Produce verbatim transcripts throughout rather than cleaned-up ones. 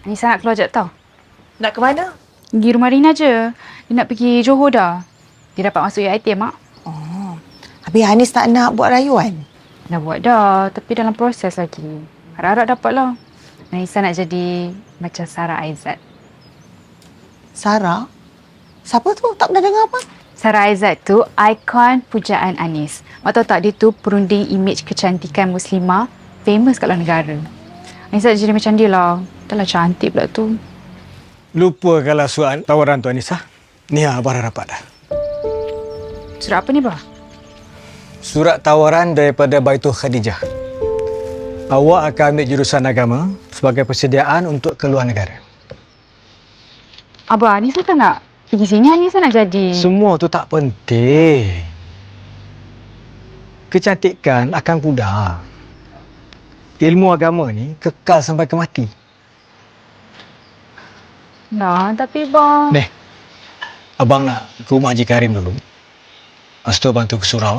Anissa nak keluar jap tau. Nak ke mana? Pergi rumah Rina je. Dia nak pergi Johor dah. Dia dapat masuk U I T, Mak. Oh. Habis Hanis tak nak buat rayuan? Dah buat dah, tapi dalam proses lagi. Harap-harap dapat lah. Anissa nak jadi macam Sarah Aizat. Sarah? Siapa tu? Tak pernah dengar apa? Sarah Aizat tu ikon pujaan Anis. Mak tahu tak, dia tu perunding imej kecantikan Muslimah famous kat luar negara. Anissa jadi macam dia lah. Dah lah cantik pula tu. Lupa kalau surat tawaran tu, Anissa. Ni Abah dah dapat dah. Surat apa ni, Bah? Surat tawaran daripada Baitul Khadijah. Awak akan ambil jurusan agama sebagai persediaan untuk keluar negara. Abah, Anissa tak nak pergi sini. Anissa nak jadi... Semua tu tak penting. Kecantikan akan pudar. Ilmu agama ni kekal sampai ke mati. Nah, tapi Bah... Ni, Abang nak ke rumah Haji Karim dulu. Lepas tu Abang tu ke surau.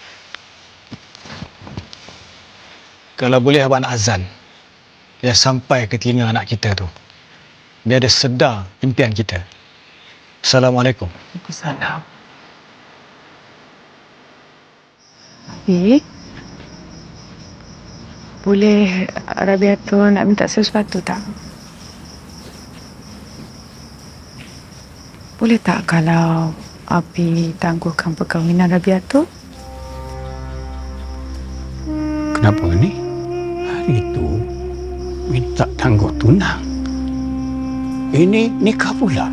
Kalau boleh Abang nak azan. Biar sampai ke telinga anak kita tu. Biar dia sedar impian kita. Assalamualaikum. Waalaikumsalam. Abi, boleh Rabiatul nak minta sesuatu tak? Boleh tak kalau Abi tangguhkan perkahwinan Rabiatul? Kenapa ni? Hari itu minta tangguh tunang. Ini nikah pula.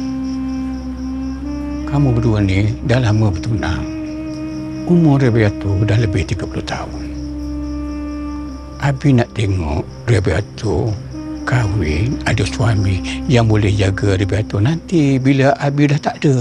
Kamu berdua ni dah lama bertunang. Umur Rabiatul dah lebih tiga puluh tahun. Abi nak tengok Rabiatul kahwin, ada suami yang boleh jaga Rabiatul nanti bila Abi dah tak ada.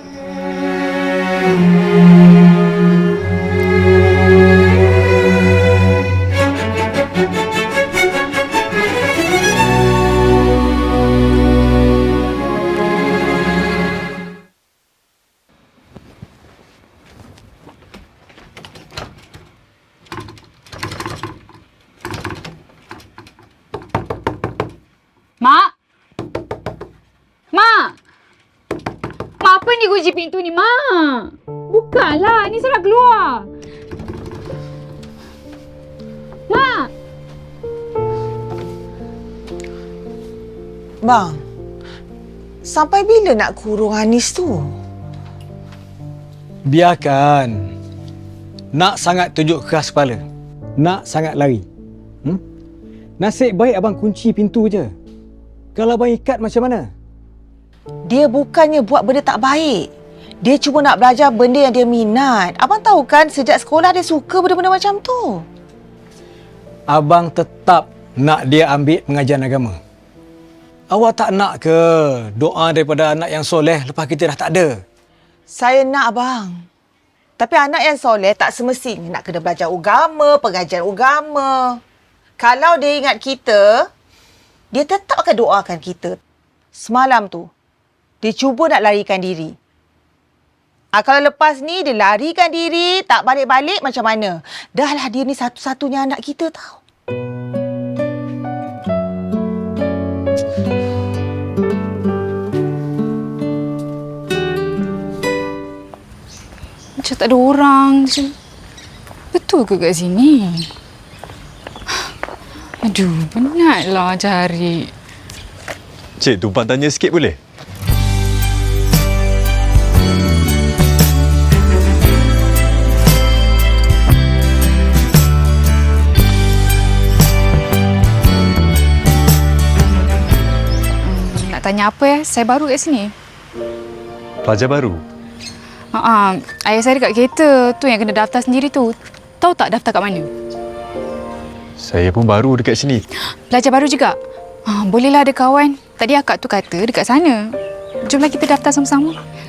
Mak! Mak! Mak, apa ni kunci pintu ni, Mak? Bukalah, ni saya nak keluar. Mak! Bang, sampai bila nak kurung Hanis tu? Biarkan. Nak sangat tunjuk keras kepala. Nak sangat lari. Hmm? Nasib baik Abang kunci pintu je. Kalau Abang ikat macam mana? Dia bukannya buat benda tak baik. Dia cuma nak belajar benda yang dia minat. Abang tahu kan sejak sekolah dia suka benda-benda macam tu. Abang tetap nak dia ambil pengajian agama. Awak tak nak ke doa daripada anak yang soleh lepas kita dah tak ada? Saya nak, abang. Tapi anak yang soleh tak semestinya nak kena belajar agama, pengajian agama. Kalau dia ingat kita, dia tetap akan doakan kita. Semalam tu, dia cuba nak larikan diri. Ah, kalau lepas ni dia larikan diri, tak balik-balik macam mana? Dah lah dia ni satu-satunya anak kita tau. Macam tak ada orang je. Betul ke kat sini? Aduh, penatlah cari. Cik, tumpang tanya sikit boleh? Hmm, nak tanya apa ya? Saya baru kat sini. Pelajar baru? Ha, ayah saya dekat kereta. Tu yang kena daftar sendiri tu. Tahu tak daftar kat mana? Saya pun baru dekat sini. Pelajar baru juga? Ha, bolehlah ada kawan. Tadi akak tu kata dekat sana. Jomlah kita daftar sama-sama.